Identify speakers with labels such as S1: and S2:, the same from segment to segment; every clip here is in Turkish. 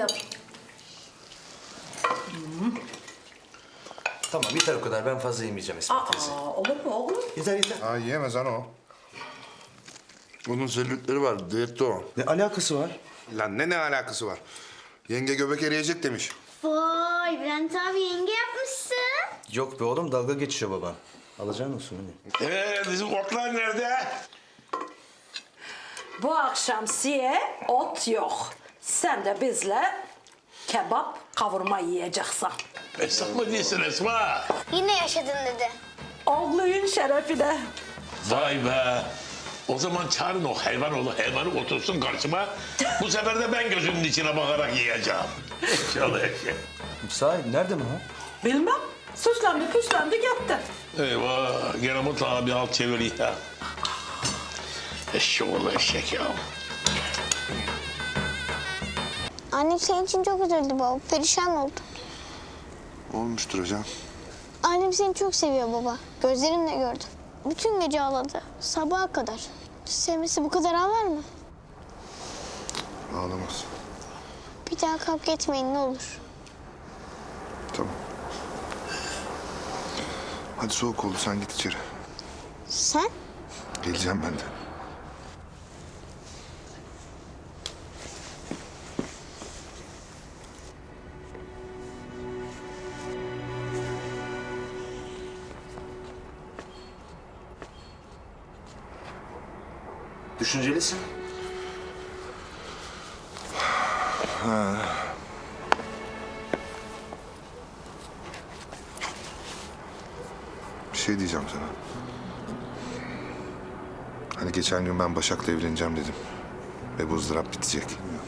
S1: yap.
S2: Tamam yeter o kadar. Ben fazla yemeyeceğim İsmet teyze.
S1: Olur mu oğlum?
S2: Yeter yeter.
S3: Ha yiyemez ana o. Onun selülitleri var, diyette o.
S2: Ne alakası var?
S3: Lan ne alakası var? Yenge göbek eriyecek demiş.
S4: Vay Bülent abi yenge yapmışsın.
S2: Yok be oğlum dalga geçiyor babam. Alacağın olsun hani.
S5: Bizim otlar nerede?
S1: Bu akşam siye ot yok. Sen de bizle kebap kavurma yiyeceksin.
S5: Esnaf mı değilsin Esma?
S4: Yine yaşadın dedi.
S1: Oğluyun şerefine.
S5: Vay be. O zaman çağırın o hayvanı otursun karşıma. Bu sefer de ben gözümün içine bakarak yiyeceğim. İnşallah eşek.
S2: Sahi nerede mi o?
S1: Bilmem. Süslendi püslendi gitti.
S5: Eyvah. Gene mutlaka bir halt çeviriyor ya. Eşek oğlu eşek ya.
S4: Annem senin için çok üzüldü baba. Perişan oldu.
S3: Olmuştur hocam.
S4: Annem seni çok seviyor baba. Gözlerimle gördüm. Bütün gece ağladı. Sabaha kadar. Sevmesi bu kadar ağlar mı?
S3: Ağlamaz.
S4: Bir daha kavga etmeyin ne olur.
S3: Tamam. Hadi soğuk oldu, sen git içeri.
S4: Sen?
S3: Geleceğim ben de.
S2: Düşüncelisin.
S3: Bir şey diyeceğim sana. Hani geçen gün ben Başak'la evleneceğim dedim. Ve bu ızdırap bitecek.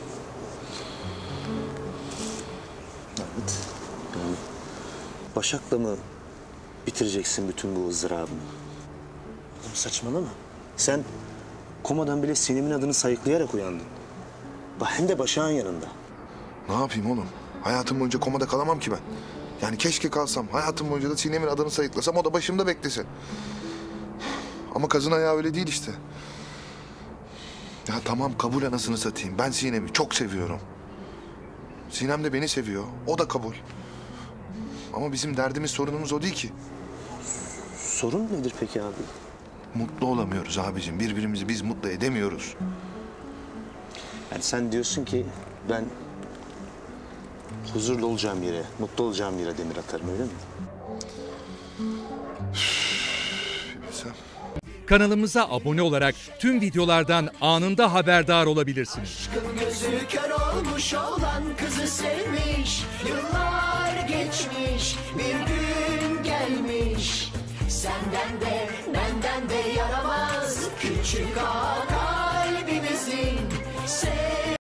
S2: Evet. Yani Başak'la mı bitireceksin bütün bu ızdırabını? Oğlum saçmalama. Sen komadan bile Sinem'in adını sayıklayarak uyandın. Hem de Başak'ın yanında.
S3: Ne yapayım oğlum? Hayatım boyunca komada kalamam ki ben. Yani keşke kalsam. Hayatım boyunca da Sinem'in adını sayıklasam, o da başımda beklesin. Ama kazın ayağı öyle değil işte. Ya tamam kabul, anasını satayım. Ben Sinem'i çok seviyorum. Sinem de beni seviyor. O da kabul. Ama bizim derdimiz, sorunumuz o değil ki.
S2: Sorun nedir peki abi?
S3: Mutlu olamıyoruz abicim. Birbirimizi biz mutlu edemiyoruz.
S2: Yani sen diyorsun ki ben huzurlu olacağım yere, mutlu olacağım yere demir atarım öyle mi?
S3: Sen...
S6: Kanalımıza abone olarak tüm videolardan anında haberdar olabilirsiniz.
S7: Aşkın gözü kör olmuş olan kızı sevmiş. Yıllar geçmiş, bir gün gelmiş. Senden de benden de yaramaz küçük ağa.